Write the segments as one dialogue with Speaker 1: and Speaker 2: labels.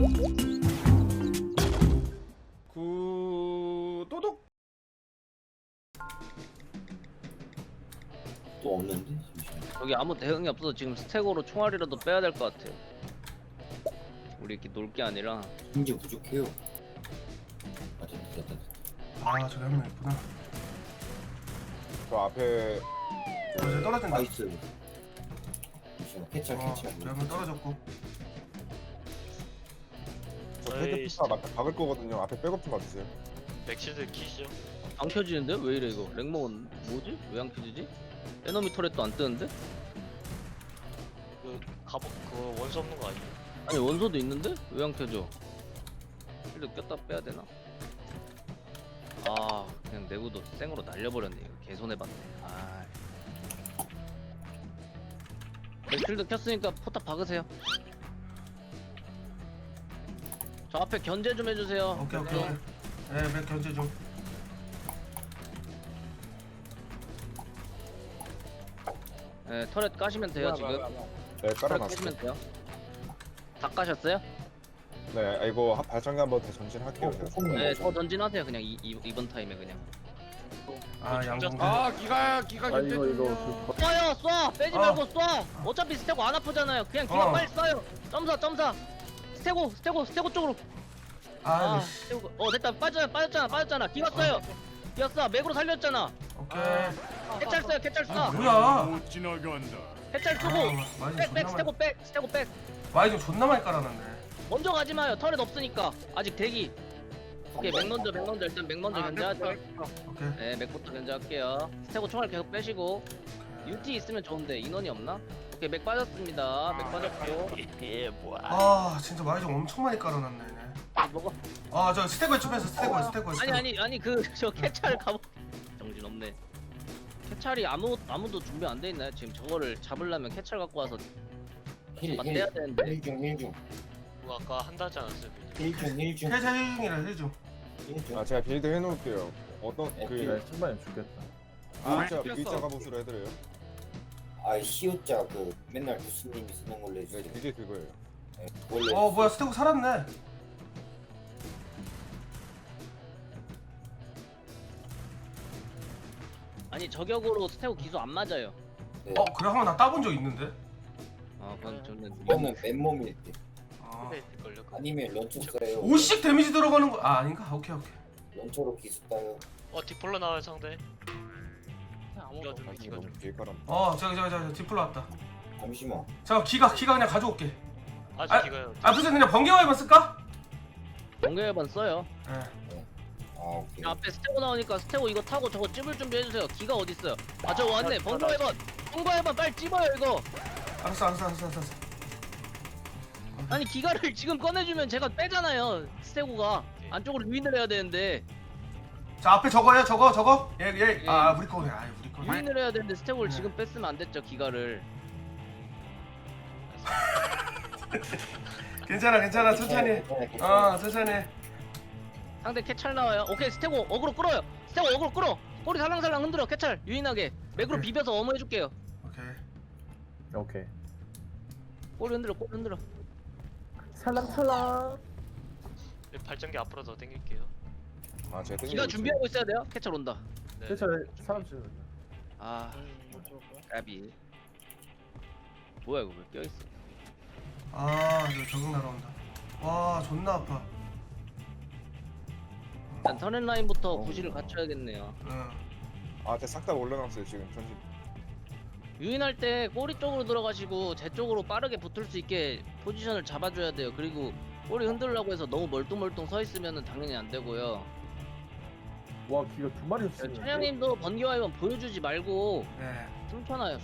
Speaker 1: 구도독.
Speaker 2: 또 없는데? 잠시만.
Speaker 3: 여기 아무 대응이 없어서 지금 스택으로 총알이라도 빼야 될 것 같아요. 우리 이렇게 놀 게 아니라.
Speaker 2: 힘이 부족해요. 아, 됐다.
Speaker 1: 아 저기 한 명 있구나.
Speaker 4: 저 앞에
Speaker 1: 이제 떨어진다.
Speaker 2: 나이스. 잠시만, 캐쳐.
Speaker 1: 저기 한 명 떨어졌고.
Speaker 4: 저
Speaker 5: 어이,
Speaker 4: 패드피사 맞다 박을 거거든요. 앞에 백업 좀 봐주세요.
Speaker 5: 맥실드 키시죠?
Speaker 3: 안 켜지는데? 왜 이래 이거? 랭먹은 뭐지? 왜 안 켜지지? 에너미 터렛도 안 뜨는데?
Speaker 5: 그 갑옷 그 원수 없는 거 아니에요?
Speaker 3: 아니 원소도 있는데? 왜 안 켜져? 실드 꼈다 빼야 되나? 아 그냥 내구도 생으로 날려버렸네. 이거 개손해봤네. 아. 실드 켰으니까 포탑 박으세요. 저 앞에 견제 좀 해주세요.
Speaker 1: 오케이. 네, 맥 견제 좀.
Speaker 3: 네, 터렛 까시면 돼요 지금.
Speaker 4: 네,
Speaker 3: 터렛
Speaker 4: 깔아놨어요.
Speaker 3: 까시면 돼요. 다 까셨어요?
Speaker 4: 네, 이거 발전기 한번 더 전진할게요. 제가.
Speaker 3: 네, 더 전진하세요. 그냥 이번 타임에 그냥.
Speaker 1: 아 양궁.
Speaker 4: 아, 기가 힘들군요.
Speaker 3: 쏴요, 쏴. 빼지 말고 쏴. 어차피 스테고 안 아프잖아요. 그냥 기가 빨리 쏴요. 점사. 스테고 쪽으로.
Speaker 1: 아,
Speaker 3: 스테고. 됐다. 빠졌잖아. 기가 쏴요. 기가 쏴. 맥으로 살렸잖아.
Speaker 1: 오케이.
Speaker 3: 캐찰 쏴요. 캐찰
Speaker 1: 아
Speaker 3: 쏴.
Speaker 1: 뭐야?
Speaker 6: 못 지나간다.
Speaker 3: 캐찰 쏘고.
Speaker 1: 많이
Speaker 3: 백 스테고 백.
Speaker 1: 많이 좀 존나 많이 깔아놨네.
Speaker 3: 먼저 가지 마요. 터렛 없으니까. 아직 대기. 오케이, 맥 먼저. 일단 맥 먼저 견제하죠.
Speaker 1: 오케이.
Speaker 3: 네, 맥부터 견제할게요. 스테고 총알 계속 빼시고. UT 있으면 좋은데 인원이 없나? 오케이, 맥 빠졌습니다. 맥 빠졌고.
Speaker 5: 예 뭐야?
Speaker 1: 아 진짜 많이 좀 엄청 많이 깔아놨네. 얘네.
Speaker 3: 먹어.
Speaker 1: 아 저 스테고에 춥해서 스테고에.
Speaker 3: 아니 저 캐찰 가보. 정신 없네. 캐찰이 아무도 준비 안 돼 있나요? 지금 저거를 잡으려면 캐찰 갖고 와서 맞대야 되는데.
Speaker 2: 힐중.
Speaker 5: 그거 아까 한다지 않았어요?
Speaker 2: 힐중.
Speaker 1: 해자 힐중이라 힐중.
Speaker 4: 아, 제가 빌드 해놓을게요. 어떤 그
Speaker 7: 신발이 죽겠다.
Speaker 4: V자 갑옷으로 해드려요.
Speaker 2: 아, 시우자 그 맨날 교수님이 쓰는 걸로
Speaker 4: 네,
Speaker 2: 해주세요.
Speaker 4: 그게 그거예요.
Speaker 2: 네, 원래
Speaker 1: 뭐야 스테고 살았네.
Speaker 3: 아니 저격으로 스테고 기수 안 맞아요.
Speaker 2: 네.
Speaker 1: 그래 한번 나 따본 적 있는데.
Speaker 3: 그건 저는
Speaker 2: 이거는 맨몸일 때
Speaker 1: 아.
Speaker 5: 후배 있을걸요?
Speaker 2: 아니면 런처 써요.
Speaker 1: 50 데미지 들어가는 거. 아닌가? 오케이.
Speaker 2: 런처로 기수 따요.
Speaker 5: 디폴로 나와요 상대. 이거 좀
Speaker 4: 이거 좀 뒤에 깔아.
Speaker 1: 제가 디플로 왔다.
Speaker 2: 잠시만.
Speaker 1: 잠깐 기가 그냥 가져올게.
Speaker 5: 아주 기가요.
Speaker 1: 무슨 그냥 번개와이만 쓸까?
Speaker 3: 번개회반 써요.
Speaker 1: 네.
Speaker 2: 아, 오케이.
Speaker 3: 앞에 스테고 나오니까 스테고 이거 타고 저거 찝을 준비해주세요. 기가 어딨어요? 저 왔네. 번개회반 빨리 찝어요 이거.
Speaker 1: 알았어.
Speaker 3: 아니 기가를 지금 꺼내주면 제가 빼잖아요. 스테고가 안쪽으로 유인을 해야 되는데
Speaker 1: 자 앞에 저거야 저거. 얘. 아 우리 거네. 우리 거.
Speaker 3: 유인을 해야 되는데 스테고를
Speaker 1: 네.
Speaker 3: 지금 뺐으면 안 됐죠 기가를.
Speaker 1: 괜찮아 천천히. 천천히.
Speaker 3: 상대 캐찰 나와요. 오케이 스테고 어그로 끌어요. 스테고 어그로 끌어. 꼬리 살랑살랑 흔들어. 캐찰 유인하게 맥으로
Speaker 1: 오케이.
Speaker 3: 비벼서 어머 해줄게요.
Speaker 7: 오케이.
Speaker 3: 꼬리 흔들어.
Speaker 7: 찰랑찰랑.
Speaker 5: 발전기 앞으로 더 당길게요.
Speaker 4: 아, 제가 땡기고
Speaker 3: 기가
Speaker 4: 있어요.
Speaker 3: 준비하고 있어야 돼요. 캐찰 온다.
Speaker 5: 네.
Speaker 7: 대체 사람 치는
Speaker 3: 아 까비. 뭐야 이거 왜 껴있어?
Speaker 1: 이거 적응 날아온다. 와 존나 아파.
Speaker 3: 일단 터렌 라인부터 구실을 갖춰야겠네요.
Speaker 1: 응.
Speaker 4: 아, 제가 싹 다 올려놨어요 지금 전진.
Speaker 3: 유인할 때 꼬리 쪽으로 들어가시고 제 쪽으로 빠르게 붙을 수 있게 포지션을 잡아줘야 돼요. 그리고 꼬리 흔들려고 해서 너무 멀뚱멀뚱 서 있으면 당연히 안 되고요.
Speaker 7: 와 기가 두 마리였어.
Speaker 3: 천양님도 번개와이번 보여주지 말고
Speaker 1: 네.
Speaker 3: 숨겨놔요.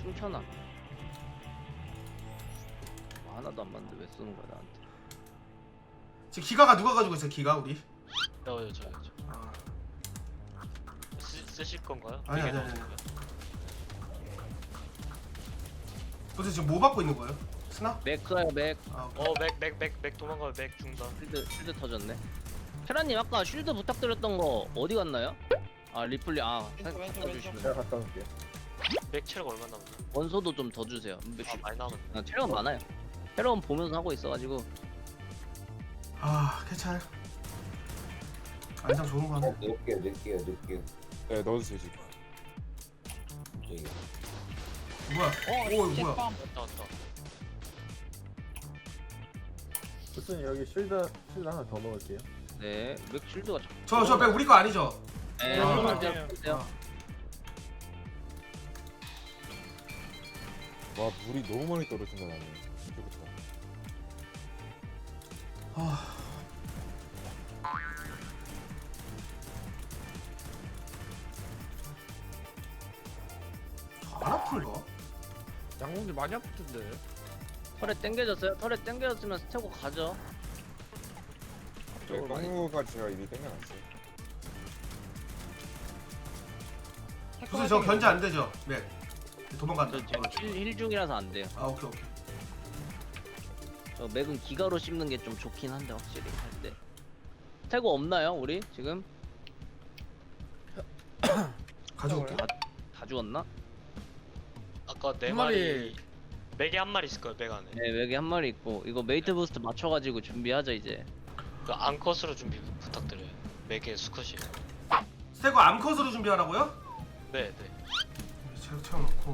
Speaker 3: 하나도 안 맞는데 왜 쏘는 거야 나한테?
Speaker 1: 지금 기가가 누가 가지고 있어? 기가 우리?
Speaker 5: 저요.
Speaker 1: 아.
Speaker 5: 쓰실 건가요?
Speaker 1: 아니.
Speaker 5: 이게 나오는 거예요?
Speaker 1: 도대체 지금 뭐 받고 있는 거예요? 스나?
Speaker 3: 맥 쏴요 맥.
Speaker 1: 오케이.
Speaker 5: 맥 도망가요. 맥 중단.
Speaker 3: 쉴드 터졌네. 테라님 아까 쉴드 부탁드렸던 거 어디 갔나요? 리플리 갖다 주시면
Speaker 7: 내가 갔다 올게.
Speaker 5: 맥 체력 얼마 남았나?
Speaker 3: 원소도 좀 더 주세요.
Speaker 5: 많이 남았네.
Speaker 3: 체력은 많아요. 체력은 보면서 하고 있어가지고
Speaker 1: 아 캐찰. 안장 좋은 거 하네.
Speaker 2: 넣을게요.
Speaker 4: 네, 넣어주세요 지금.
Speaker 2: 저기.
Speaker 1: 뭐야? 오 이거 뭐야?
Speaker 5: 왔다.
Speaker 7: 무슨 여기 실드 하나 더 넣을게요.
Speaker 3: 네, 맥 쉴드가
Speaker 1: 저백 우리 거 아니죠?
Speaker 3: 네,
Speaker 1: 아,
Speaker 3: 조금만
Speaker 6: 아니에요.
Speaker 3: 기다려주세요.
Speaker 4: 와 물이 너무 많이 떨어진다 나는. 이제부터.
Speaker 1: 아. 안 아픈가?
Speaker 6: 양궁이 많이 아프던데.
Speaker 3: 털에 땡겨졌어요? 털에 땡겨졌으면 스테고 가죠.
Speaker 4: 네, 깡무가 제가 이미 땡겨놨어요.
Speaker 1: 무슨 저 견제 안 되죠? 맥 도망간다.
Speaker 3: 저 지금 힐 중이라서 안 돼요.
Speaker 1: 아 오케이.
Speaker 3: 저 맥은 기가로 씹는 게 좀 좋긴 한데 확실히 할 때. 스테고 없나요 우리 지금?
Speaker 1: 가져올게.
Speaker 3: 다 죽었나?
Speaker 5: 아까 네
Speaker 6: 한
Speaker 5: 마리 맥에 한 마리 있을 거야 맥 안에.
Speaker 3: 네, 맥이 한 마리 있고 이거 메이트 부스트 맞춰가지고 준비하자 이제.
Speaker 5: 그 암컷으로 준비 부탁드려요. 맥에 수컷이.
Speaker 1: 스테고 암컷으로 준비하라고요?
Speaker 5: 네.
Speaker 1: 체력 채워놓고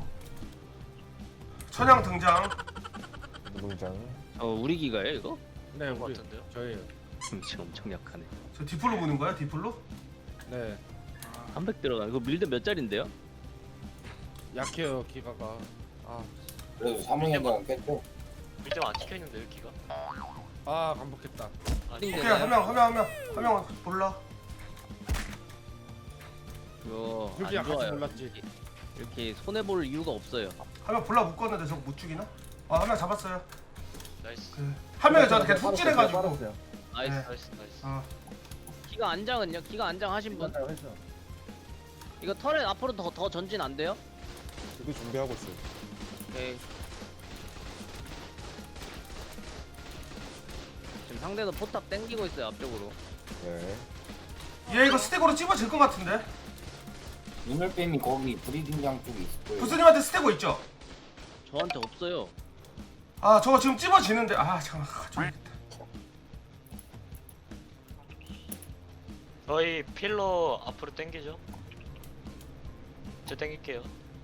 Speaker 1: 천양 등장.
Speaker 4: 노동장.
Speaker 3: 우리 기가요 이거?
Speaker 6: 네,
Speaker 5: 그런 거
Speaker 6: 우리
Speaker 5: 같은데요?
Speaker 6: 저희.
Speaker 3: 지금 엄청 약하네.
Speaker 1: 저 디플로 보는 거야? 디플로?
Speaker 6: 네,
Speaker 3: 300 들어가. 이거 밀드 몇 짜린데요?
Speaker 6: 약해요 기가가. 아,
Speaker 2: 그래도 3학년간 깼죠?
Speaker 5: 밀대 안 찍혀 있는데 여기가.
Speaker 6: 반복했다.
Speaker 5: 아니
Speaker 1: 오케이 한 명 몰라.
Speaker 3: 이거
Speaker 6: 유비
Speaker 3: 안
Speaker 6: 약할지
Speaker 3: 좋아요.
Speaker 6: 몰랐지.
Speaker 3: 이렇게 손해 볼 이유가 없어요.
Speaker 1: 한 명 볼라 묶었는데 저거 못 죽이나? 한 명 잡았어요.
Speaker 5: 나이스.
Speaker 1: 한 명이 저한테 그냥 툭 찔해가지고.
Speaker 7: 빨았어요.
Speaker 3: 나이스.
Speaker 1: 네.
Speaker 5: 나이스.
Speaker 1: 아
Speaker 3: 기가 안장은요? 기가 안장 하신 분?
Speaker 7: 했어.
Speaker 3: 이거 털에 앞으로 더 전진 안 돼요?
Speaker 4: 저도 준비하고 있어요.
Speaker 3: 오케이. 지금 상대도 포탑 땡기고 있어요 앞쪽으로.
Speaker 4: 네.
Speaker 1: 얘 이거 스테고로 찝어질 것 같은데.
Speaker 2: 눈을빼미 거기 브리딩장 쪽에 있을 거예요.
Speaker 1: 부스님한테 스테고 있죠?
Speaker 3: 저한테 없어요.
Speaker 1: 아 저거 지금 찝어지는데 아 잠깐만 가져야겠다.
Speaker 5: 저희 필러 앞으로 당기죠. 저 당길게요.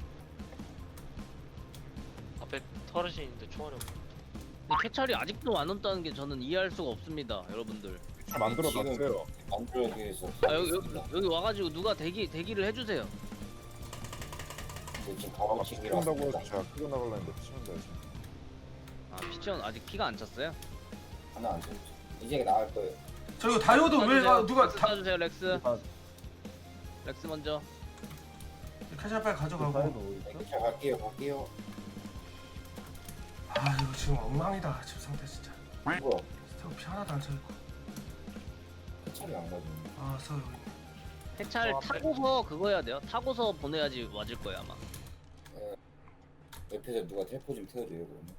Speaker 5: 앞에 터렛이 있는데 총알이 없네.
Speaker 3: 근데 캐찰이 아직도 안 온다는 게 저는 이해할 수가 없습니다 여러분들.
Speaker 4: 만들어놨어요.
Speaker 2: 만들어기 위해서.
Speaker 3: 아 여기 와가지고 누가 대기를 해주세요.
Speaker 2: 지금 가방
Speaker 4: 아까
Speaker 2: 챙기러
Speaker 4: 피운다고
Speaker 2: 왔습니다.
Speaker 4: 해서 제가 끌고 나가려 했는데 피운다 해서.
Speaker 3: 아 피치원 아직 피가 안 찼어요?
Speaker 2: 하나 안 쳤죠. 이제 나갈 거예요.
Speaker 1: 저 이거 다이오드 왜 누가
Speaker 3: 렉스
Speaker 1: 다
Speaker 3: 쏴주세요 렉스.
Speaker 7: 아,
Speaker 3: 렉스 먼저.
Speaker 1: 캐찰 빨리 가져가고.
Speaker 2: 네, 자 갈게요.
Speaker 1: 아 이거 지금 엉망이다 지금 상태 진짜.
Speaker 2: 이거
Speaker 1: 스테고 피 하나도 안 차있고.
Speaker 2: 차리 안 가지고.
Speaker 1: 아 써 여기.
Speaker 3: 캐찰 타고서 그거 해야 돼요. 타고서 보내야지 맞을 거예요 아마.
Speaker 2: 옆에서 누가 텔포 좀 태워줘요 그러면.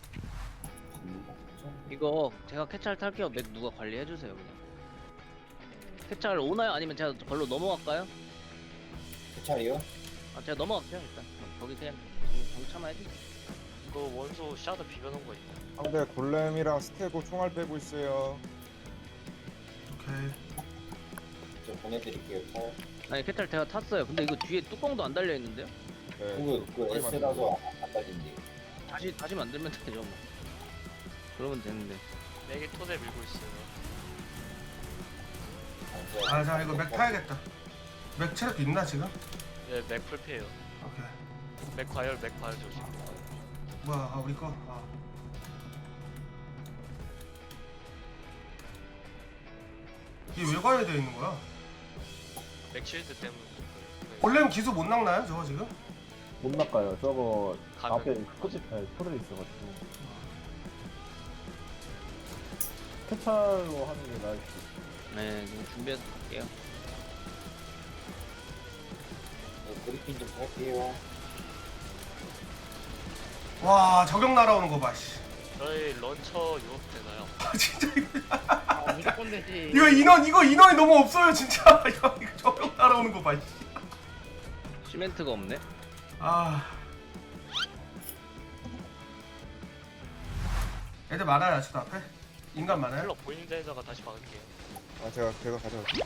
Speaker 3: 이거 제가 캐찰 탈게요. 맥 누가 관리해 주세요 그냥. 캐찰 오나요? 아니면 제가 걸로 넘어갈까요?
Speaker 2: 차리요?
Speaker 3: 아 제가 넘어갈게요 일단. 거기 그냥 정참해야지.
Speaker 5: 이거 원소 샤드 비벼놓은 거 있나?
Speaker 4: 상대 골렘이랑 스테고 총알 빼고 있어요.
Speaker 1: 오케이.
Speaker 2: 저 보내드릴게요. 탈.
Speaker 3: 아니 캐찰 제가 탔어요. 근데 이거 뒤에 뚜껑도 안 달려 있는데요?
Speaker 4: 네.
Speaker 2: 그 S라서 안 달린대.
Speaker 3: 다시 만들면 되죠 뭐. 그러면 되는데.
Speaker 5: 맥에 토대 밀고 있어요.
Speaker 1: 아 자 이거 맥 타야겠다. 맥 체력 있나 지금?
Speaker 5: 네, 맥 풀피해요.
Speaker 1: 오케이.
Speaker 5: 맥 과열 저 지금.
Speaker 1: 뭐야 아 우리 거? 아. 이게 왜 가야 돼 있는 거야?
Speaker 5: 맥 실드 때문에.
Speaker 1: 원래는 기수 못 낚나요 저거 지금?
Speaker 7: 못 낚아요. 저거
Speaker 5: 가면.
Speaker 7: 앞에 끝에 토를 있어가지고. 캐찰로 하는 게 나을 수 있어.
Speaker 3: 네 지금 준비해서 갈게요.
Speaker 2: 브리핑 좀 할게요.
Speaker 1: 와 저격 날아오는 거 봐. 씨.
Speaker 5: 저희 런처 유업 되나요?
Speaker 1: 아 진짜
Speaker 6: 무조건 되지.
Speaker 1: 이거 인원이 너무 없어요 진짜. 이거 저격 날아오는 거 봐. 씨.
Speaker 3: 시멘트가 없네.
Speaker 1: 아. 애들 많아요 저도 앞에. 인간 많아요?
Speaker 5: 힐러 보이는 데다가 다시 박을게요.
Speaker 4: 아 제가 가져갈게요.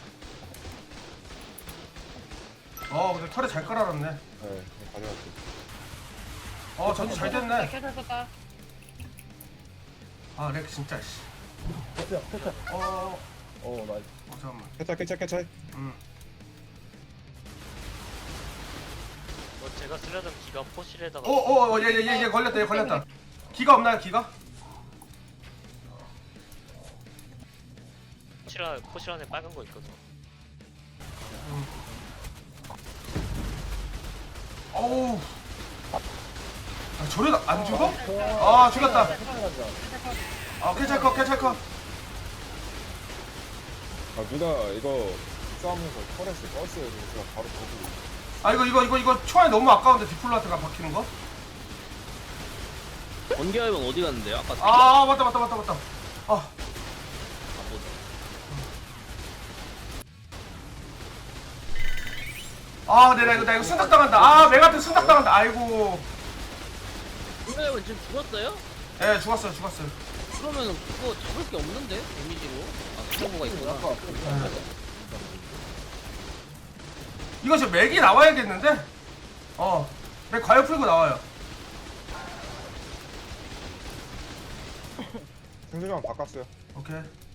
Speaker 1: 근데 털에 잘 깔아놨네.
Speaker 4: 네, 가져갈게요.
Speaker 1: 전지 잘 됐네.
Speaker 6: 켰다.
Speaker 1: 아, 렉 진짜, 씨.
Speaker 7: 패스야 패스. 나이스.
Speaker 1: 잠깐만.
Speaker 4: 캐찰.
Speaker 5: 제가 쓰려던 기가 포실에다가
Speaker 1: 얘 걸렸다. 기가 없나요, 기가?
Speaker 5: 포실 안에 빨간 거 있거든.
Speaker 1: 어우. 저래 안 죽어? 아, 죽였다. 캐찰커.
Speaker 4: 아 누가 이거 싸우면서 터렛을 껐어요. 제가 바로 거기.
Speaker 1: 이거 초안이 너무 아까운데 디플로한테가 박히는 거?
Speaker 3: 번개화염은 어디 갔는데요? 아까
Speaker 1: 아, 맞다. 나 이거 순닥 당한다. 메가트 순닥 당한다. 아이고.
Speaker 3: 번개화염은 지금 죽었어요?
Speaker 1: 예, 죽었어요.
Speaker 3: 그러면은 그거 잡을 게 없는데 데미지로? 스토브가 있구나.
Speaker 1: 이거 지금 맥이 나와야겠는데? 맥 과열 풀고 나와요.
Speaker 4: 생존장 바꿨어요.
Speaker 1: 오케이.